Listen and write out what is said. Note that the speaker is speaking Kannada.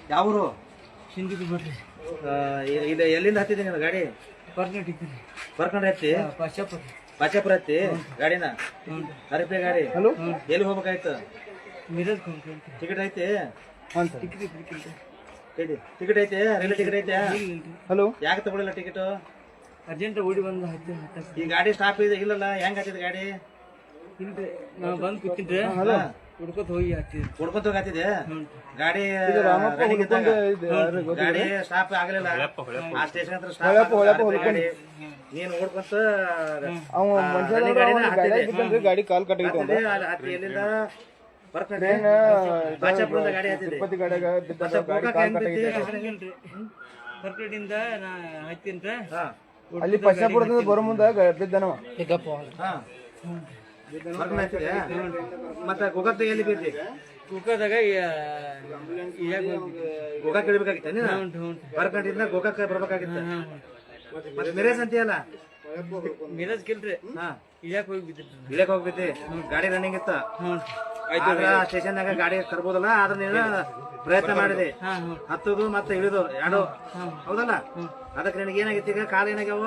ಯಾವರು ಹಿಂದಿಗೆ ಬಿಡ್ರಿ. ಇಲ್ಲಿ ಎಲ್ಲಿಂದ ಹತ್ತಿದೆ ನೀನು ಗಾಡಿ? ಬರ್ಕೊಂಡ್ರೆ ಹತ್ತಿ ಪಾಚಾಪುರ ಹತ್ತಿ ಗಾಡಿನ ಹರಿಪೆ ಗಾಡಿ. ಎಲ್ಲಿ ಹೋಗ್ಬೇಕಾಯ್ತು? ಟಿಕೆಟ್ ಐತಿ? ಟಿಕೆಟ್ ಐತೆ? ರೈಲ್ವೆ ಟಿಕೆಟ್ ಐತೆ? ಹಲೋ, ಯಾಕೆ ತಗೊಳಿಲ್ಲ ಟಿಕೆಟ್? ಅರ್ಜೆಂಟ್ ಓಡಿ ಬಂದ. ಈ ಗಾಡಿ ಸ್ಟಾಪ್ ಇದೆ ಇಲ್ಲಲ್ಲ, ಹೆಂಗ್ ಹತ್ತಿದ ಗಾಡಿ? ನಾ ಬಂದ್ ಕೂತಿದ್ರೆ ಹುಡ್ಕೋತ ಹೋಗಿ ಹತ್ತಿದ್ದೆ. ಹೊಡ್ಕೊಂತ ಹೋಗತ್ತಿದೆ ಗಾಡಿ. ಗಾಡಿ ಸ್ಟಾಪ್ ಆಗಲಿಲ್ಲ, ಆ ಸ್ಟೇಷನ್ ಹತ್ರ ಸ್ಟಾಪ್ ಗಾಡಿ. ನೀನ್ ಓಡ್ಕೊಂತ ಗಾಡಿ ಕಾಲ್ ಕಟ್ಟಿತ್ತು. ಹತ್ತಿ ಎಲ್ಲಿಂದ ಬಾಚಾಪುರದ ಗಾಡಿ ಹತ್ತಿದೆ. ಬರ್ಕಡಿಂದ ನಾ ಹತ್ತಿನ್ರ ಅಲ್ಲಿ ಪಶ್ಚಾಪುರದಿಂದ ಬರೋ ಮುಂದ ಬಿದ್ದನವ. ಮತ್ತೆ ಗೋಕಾಕ್ ಎಲ್ಲಿ ಬೈತಿ? ಕುಕ್ಕದಾಗ ಗೋಕಾಕ್ ಇಳ್ಬೇಕಾಗಿತ್ತ ನೀನು? ಬರ್ಕಂಡಿಂದ ಗೋಕಾಕ್ ಬರ್ಬೇಕಾಗಿತ್ತ. ಮತ್ತೆ ಮಿರೇಜ್ ಅಂತೀಯಲ್ಲ? ಮಿರಾಜ್ ಕಿಲ್ರಿ ಇಳ್ಯಾಕ್ ಹೋಗಿ ಬಿದ್ರಿ. ಇಳ್ಯಾಕ್ ಹೋಗ್ಬಿದ್ದಿ? ಗಾಡಿ ರನ್ನಿಂಗ್ ಇತ್ತ? ಸ್ಟೇಷನ್ದಾಗ ಗಾಡಿ ತರ್ಬೋದಲ್ಲ, ಆದ್ರೆ ನೀನು ಪ್ರಯತ್ನ ಮಾಡಿದೆ ಹತ್ತದು ಮತ್ತೆ ಇಳಿದು ಎರಡು, ಹೌದಲ್ಲ? ಅದಕ್ಕೆ ನಿನಗೆ ಏನಾಗಿತ್ತು ಈಗ? ಕಾಲ ಏನಾಗ್ಯಾವ?